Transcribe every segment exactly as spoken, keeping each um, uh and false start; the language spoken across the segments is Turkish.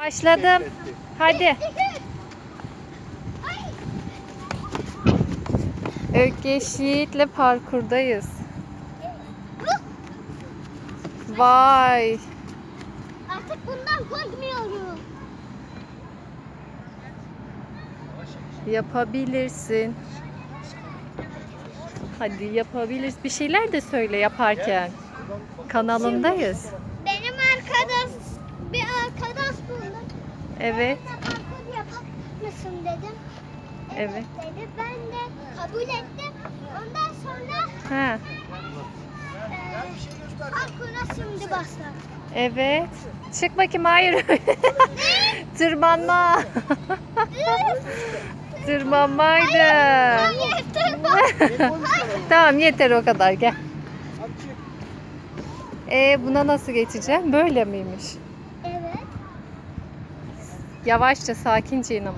Başladım. Hadi. Ökkeş Yiğit'le parkurdayız. Vay. Artık bundan korkmuyorum. Yapabilirsin. Hadi yapabiliriz. Bir şeyler de söyle yaparken. Kanalındayız. Benim arkadaş, bir arkadaş buldum. Evet. Ben de parkur yapar mısın dedim. Evet, Evet. dedi. Ben de kabul ettim. Ondan sonra Ha. e, parkura şimdi başladım. Evet. Çık bakayım. Hayır. Tırmanma. Tırmanmaydı. Hayır, tırman. Tamam yeter o kadar gel. Ee, buna nasıl geçeceğim? Böyle miymiş? Evet. Yavaşça sakince in ama.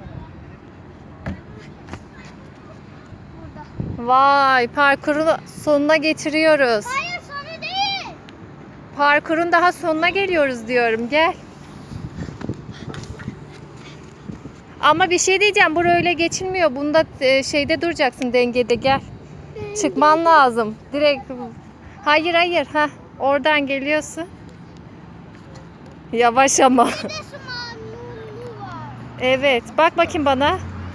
Burada. Vay, parkuru sonuna getiriyoruz. Hayır, sonra değil. Parkurun daha sonuna geliyoruz diyorum. Gel. Ama bir şey diyeceğim. Buraya öyle geçilmiyor. Bunda e, şeyde duracaksın, dengede. Gel. Çıkman lazım. Direkt. Hayır hayır. Ha, oradan geliyorsun. Yavaş ama. Bir de sumanlı var. Evet. Bak bakayım bana.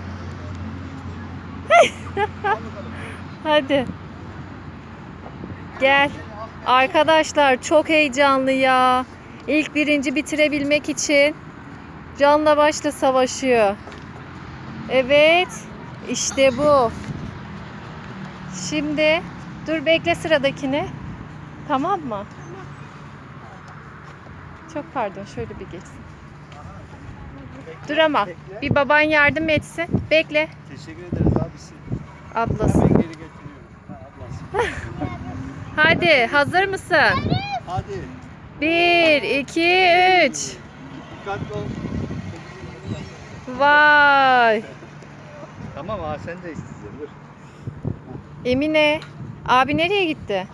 Hadi. Gel. Arkadaşlar çok heyecanlı ya. İlk birinci bitirebilmek için canla başla savaşıyor. Evet. İşte bu. Şimdi dur bekle sıradakini. Tamam mı? Çok pardon şöyle bir geçsin. Dur ama bir baban yardım etsin. Bekle. Teşekkür ederiz abisi. Ablası. Ben geri getiriyorum. Ha, ablası. Hadi hazır mısın? Hadi. Bir, iki, üç. Dikkatli ol. Vay. Tamam ha sen de isteyeceksin. Dur. Emine. Abi nereye gitti?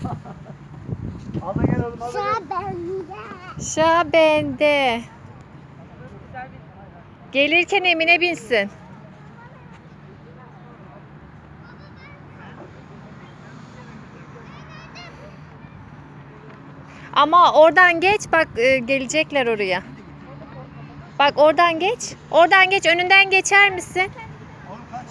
Al da gel oğlum al da gel. Sıra bende. Şa bende. Gelirken Emine binsin. Ama oradan geç bak e, gelecekler oraya. Bak oradan geç. Oradan geç. Önünden geçer misin? Oğlum kaç.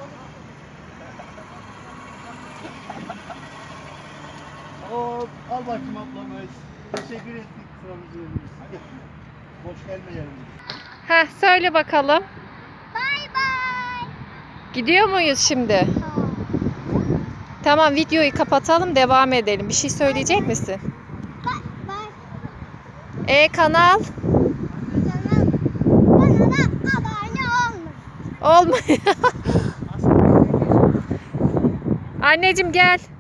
Hop al bakayım ablam. Teşekkür ettik sıramızı verdiğiniz. Hadi. Boş gelme yerimize. Heh, söyle bakalım. Bay bay. Gidiyor muyuz şimdi? Tamam videoyu kapatalım devam edelim. Bir şey söyleyecek misin? Bay bay. E kanal? Canım. Bana da abone olma. Olmuyor. Anneciğim gel.